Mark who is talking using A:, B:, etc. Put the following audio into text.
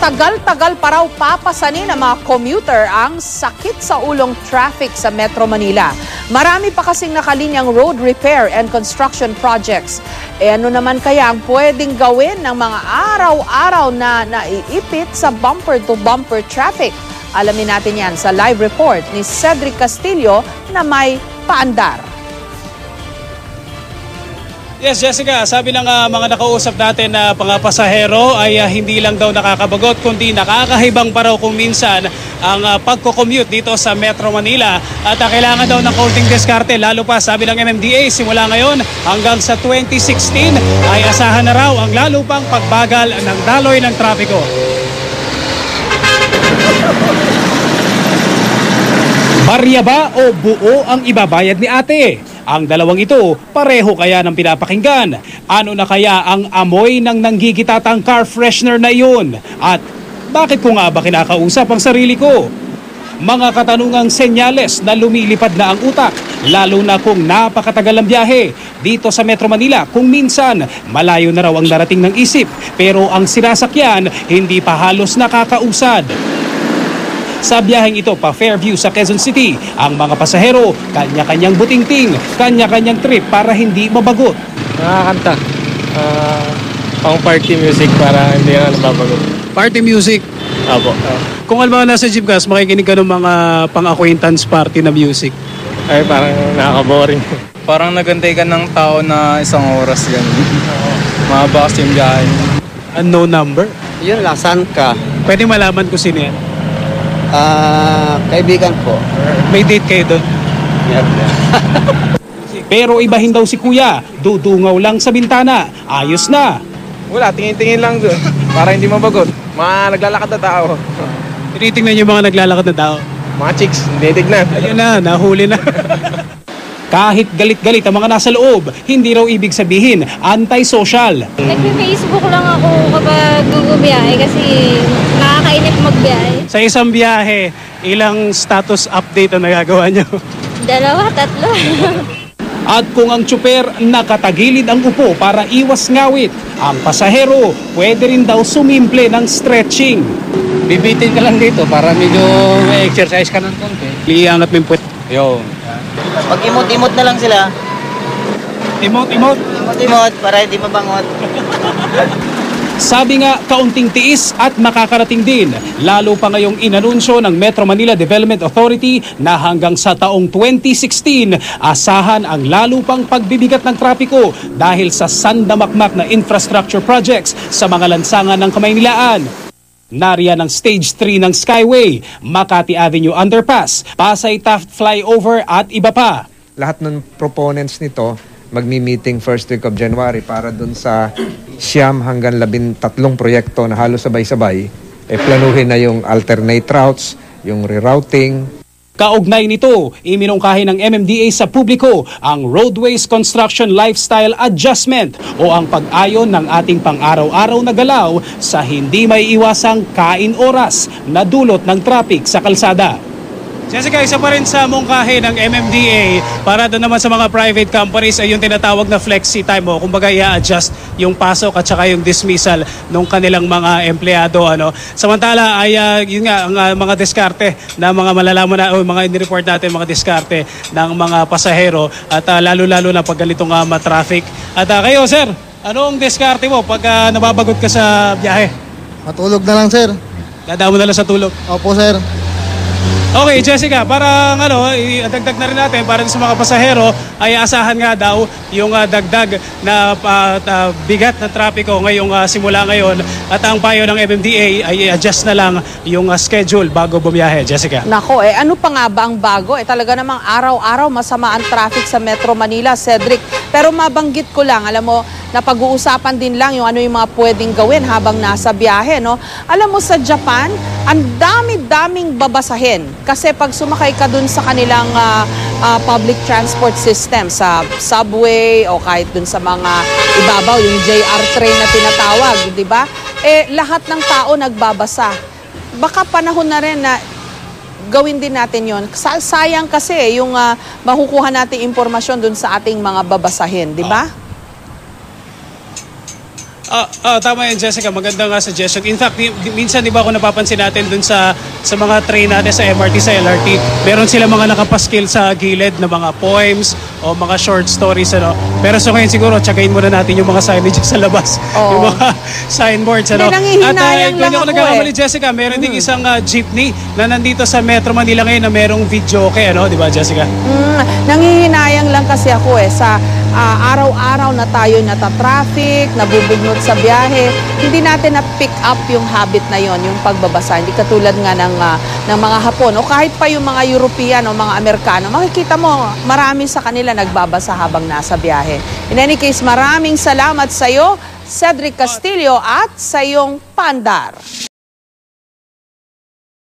A: Matagal-tagal pa raw papasanin ng mga commuter ang sakit sa ulong traffic sa Metro Manila. Marami pa kasing nakalinyang road repair and construction projects. Ano naman kaya ang pwedeng gawin ng mga araw-araw na naiipit sa bumper-to-bumper traffic? Alamin natin yan sa live report ni Cedric Castillo na may paandar.
B: Yes, Jessica, sabi ng mga nakausap natin na mga pasahero ay hindi lang daw nakakabagot kundi nakakahibang pa raw kung minsan ang pagko-commute dito sa Metro Manila at kailangan daw ng konting diskarte lalo pa sabi ng MMDA simula ngayon hanggang sa 2016 ay asahan na raw ang lalo pang pagbagal ng daloy ng trapiko. Barya ba o buo ang ibabayad ni ate? Ang dalawang ito, pareho kaya ng pinapakinggan. Ano na kaya ang amoy ng nanggigitatang car freshener na iyon? At bakit ko nga ba kinakausap ang sarili ko? Mga katanungang senyales na lumilipad na ang utak, lalo na kung napakatagal ang biyahe. Dito sa Metro Manila, kung minsan, malayo na raw ang narating ng isip, pero ang sinasakyan, hindi pa halos nakakausad. Sa biyaheng ito pa Fairview sa Quezon City, ang mga pasahero, kanya-kanyang butingting, kanya-kanyang trip para hindi mabagot.
C: Nakakanta. Pang party music para hindi na nababagot.
B: Party music?
C: Apo.
B: Kung alam mo nasa jeep gas, makikinig ka ng mga pang-acquaintance party na music.
C: Ay, parang nakaka-boring.
D: Parang nagantay ka ng tao na isang oras ganun. Mahaba kasi yung biyahe.
B: Unknown number?
E: Yun lang, saan ka?
B: Pwede malaman ko sino yan.
E: Kaibigan po.
B: May date kayo doon? Pero ibahin daw si kuya, dudungaw lang sa bintana. Ayos na.
C: Wala, tingin-tingin lang doon para hindi mabagot. Mga naglalakad na tao.
B: Tinitingnan yung mga naglalakad na tao.
C: Mga chicks, hindi tignan.
B: Ayun na, nahuli na. Kahit galit-galit ang mga nasa loob, hindi raw ibig sabihin anti-social.
F: Nagpe-Facebook lang ako kapag gugubiyahe kasi nakakainip magbiyahe.
B: Sa isang biyahe, ilang status update ang nagagawa nyo?
F: 2, 3.
B: At kung ang tsuper nakatagilid ang upo para iwas ngawit, ang pasahero pwede rin daw sumimple ng stretching.
E: Bibitin ka lang dito para medyo may exercise ka ng konti.
B: Liangat mo yung puwet.
E: Yo. Pag imot-imot na lang sila.
B: Imot-imot.
E: Imot-imot para hindi mabangot.
B: Sabi nga, kaunting tiis at makakarating din. Lalo pa ngayong inanunsyo ng Metro Manila Development Authority na hanggang sa taong 2016, asahan ang lalo pang pagbibigat ng trapiko dahil sa sandamakmak na infrastructure projects sa mga lansangan ng Kamaynilaan. Nariyan ang Stage 3 ng Skyway, Makati Avenue Underpass, Pasay Taft Flyover at iba pa.
G: Lahat ng proponents nito magmi-meeting first week of January para dun sa 9 hanggang 13 proyekto na halos sabay-sabay, planuhin na yung alternate routes, yung rerouting.
B: Kaugnay nito, iminungkahi ng MMDA sa publiko ang Roadways Construction Lifestyle Adjustment o ang pag-ayon ng ating pang-araw-araw na galaw sa hindi may iwasang kain oras na dulot ng traffic sa kalsada. Jessica, isa pa rin sa mungkahi ng MMDA para doon naman sa mga private companies ay yung tinatawag na flexi time o kumbaga i-adjust yung pasok at saka yung dismissal ng kanilang mga empleyado. Samantala ay yun nga ang mga diskarte na mga malalaman na o mga inireport natin mga diskarte ng mga pasahero at lalo-lalo na pag ganitong traffic. At kayo sir, anong diskarte mo pag nababagot ka sa biyahe?
H: Matulog na lang, sir.
B: Dadaan mo na lang sa tulog?
H: Opo, sir.
B: Okay, Jessica, parang dagdag na rin natin para sa mga pasahero ay asahan nga daw yung dagdag na bigat na trapiko ngayong simula ngayon at ang payo ng MMDA ay i-adjust na lang yung schedule bago bumiyahe. Jessica.
A: Nako, ano pa nga ba ang bago? Talaga namang araw-araw masama ang traffic sa Metro Manila, Cedric. Pero mabanggit ko lang, alam mo, napag-uusapan din lang yung ano yung mga pwedeng gawin habang nasa biyahe, no? Alam mo sa Japan, ang dami-daming babasahin. Kasi pag sumakay ka dun sa kanilang public transport system, sa subway o kahit dun sa mga ibabaw, yung JR train na tinatawag, di ba? Lahat ng tao nagbabasa. Baka panahon na rin na gawin din natin yon. Sayang kasi yung makukuha nating impormasyon dun sa ating mga babasahin, di ba?
B: Tama yan, Jessica. Maganda nga suggestion. In fact, minsan di ba ako napapansin natin dun sa mga train natin sa MRT, sa LRT, meron sila mga nakapaskil sa gilid na mga poems o mga short stories. Ano? Pero so ngayon siguro, tsagain muna natin yung mga signage sa labas.
A: Oo.
B: Yung mga signboards. Ano?
A: Nangihinayang lang
B: kung
A: ako
B: nagkakamali, Jessica, meron ding isang jeepney na nandito sa Metro Manila ngayon na merong video okay, ano? Di ba, Jessica?
A: Nangihinayang lang kasi ako sa araw-araw na tayo nata-traffic, nabubugnot sa biyahe, hindi natin na-pick up yung habit na yon, yung pagbabasa. Hindi katulad nga ng mga Hapon o kahit pa yung mga European o mga Amerikano, makikita mo marami sa kanila nagbabasa habang nasa biyahe. In any case, maraming salamat sa iyo, Cedric Castillo, at sa iyong paandar.